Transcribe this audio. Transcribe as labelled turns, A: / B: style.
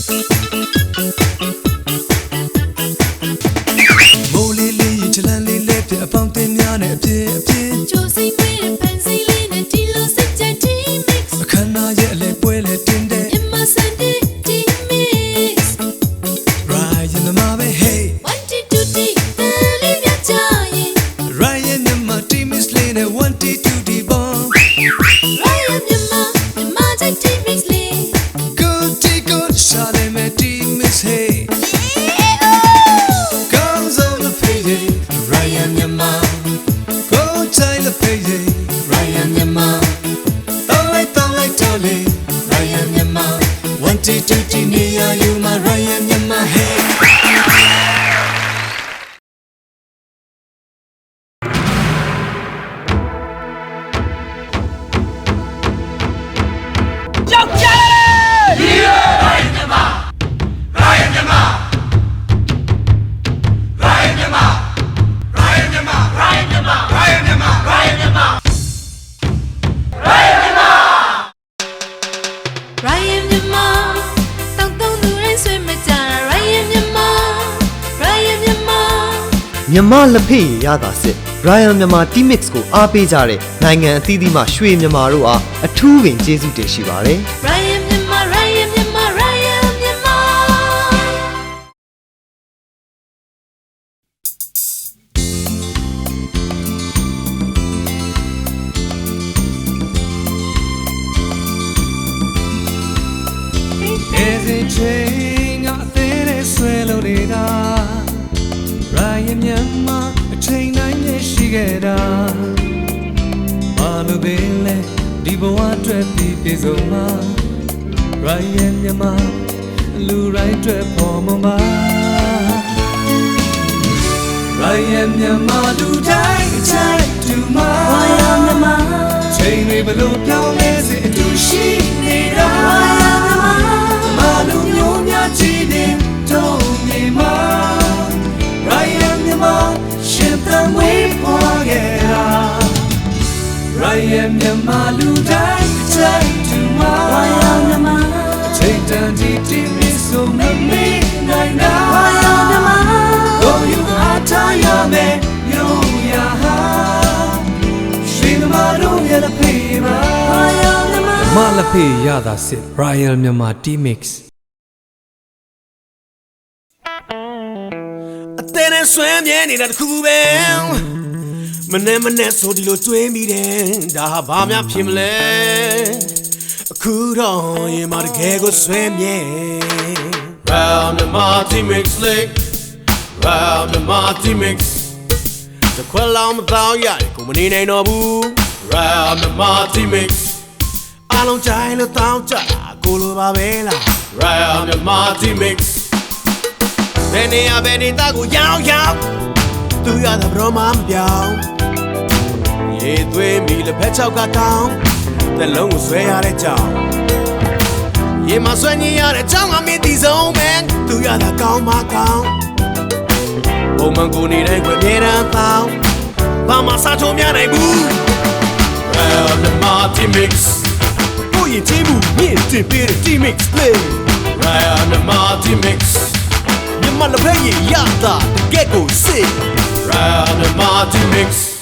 A: မိုးလေးလေးချလန်းလေးလေးပြအပေါင်းတင်များနဲ့အပြည့်အပြည့်
B: ကြိုးစိတ်ပေးတဲ့ပန်းစီလေးနဲ့ဒီလိုစိတ်ကြိုက် T-mix
A: အခမ်းအနားရဲ့အလဲပွဲလဲတင်တဲ့
B: In my Sunday T-mix
A: Ryan မြမပဲ hey
B: 1 2 3တန်လေးပြချရင်
A: Ryan မြမ T-mix လေးနဲ့1 2 3 bon
B: Ryan မြန်မာကြိုက် T-mix လေး
A: Good T good ရှာတယ်မဲ့ T-mix hey Comes on the payday Ryan မြမ Go time the payday Ryan မြမDon't like Ryan မြမ1 2 3 near you my Ryan မြမ hey
B: Ryan မြန်မာတောက်တုံးသူတိုင်းဆွေးမကြတာ Ryan မြန်မာ Ryan မြန်မာ
C: မြမလက်ဖေးရတာစစ် Ryan မြန်မာ T-mix ကိုအားပေးကြတဲ့နိုင်ငံအသီးသီးမှရွှေမြန်မာတို့အားအထူးပင်ကျေးဇူးတင်ရှိပါတယ်
B: Ryan မြန်မာ Ryan မြန်မာ Ryan မြန်မာ
A: As a chain I think it's well odida Ryan မြန်မာအချိန်တိုင်းနဲ့ရှိခဲ့တာဘာလို့ပဲလဲဒီဘဝအတွက်ပြီးပြည့်စုံမှာ Ryan မြန်မာလူတိုင်းအတွက်ပေါ်မှာ Ryan မြန်မာလူတိုင်းအချိုက်တူမှာ
B: Ryan မြန်မာ
A: ချိန်တွေဘလို့ပြောင်းလဲစေအတူရှိနေတာ မလူမျိုးများကြည်တဲ့တုံးမြေမှာ Ryan မြန်မာရှင်သန်ဝေးပွားခဲ့တာ Ryan မြန်မာလူတိုင်းအချိုက်တူမှာ
B: Ryan မြန်မာ
A: ချိန်တန်တီတီမီဆိုမမေးနိုင်တာ
B: Ryan မြန်မာ
A: ကိုယူအားထားရမယ်ရိုးရာဟာရှင်သမားတို့ရဲ့လက်ဖေးပါ
B: Ryan မြန်မာ
A: မလက်ဖေးရတာစစ် Ryan မြန်မာ T-mix
D: အသေးနဲ့ဆွဲမြဲနေတာတခုပဲမနဲ့ဆိုဒီလိုကျွေးမိတယ်ဒါဟာဘာများဖြစ်မလဲအခုတော့ရင်မတကယ်ကိုဆွဲမြဲ Round the T-mix Lake Round the T-mix တခွက်လောင်းမသောရတယ်ကိုမနေနိုင်တော့ဘူး Round the T-mix အားလုံးကြိုင်လို့တောင်းကြတာကိုလိုပါပဲလား Round the T-mix ဘယ်နေရာဘယ်နေသားကိုရောက်သူရတာဘရောမပြောင်းရေသွေးမီလက်ဖက်ချောက်ကတောင်းတလုံးကိုဆွဲရတဲ့ကြောင်ရေမဆွဲညင်ရတဲ့ကြောင်ကမင်းဒီဆုံးပဲသူရတာကောင်းမကောင်းဘုံမန်ကိုနေတဲ့ခွေမြေတန်းတောင်းဘာမှစားချုံများနိုင်ဘူး Round the T-mix ကိုရင်ချင်းမှုမြင့်တင်ပေးတဲ့ T-mix play Round the T-mixမြမလက်ဖက်ရရတာတကယ့်ကိုစစ် Round the T-mix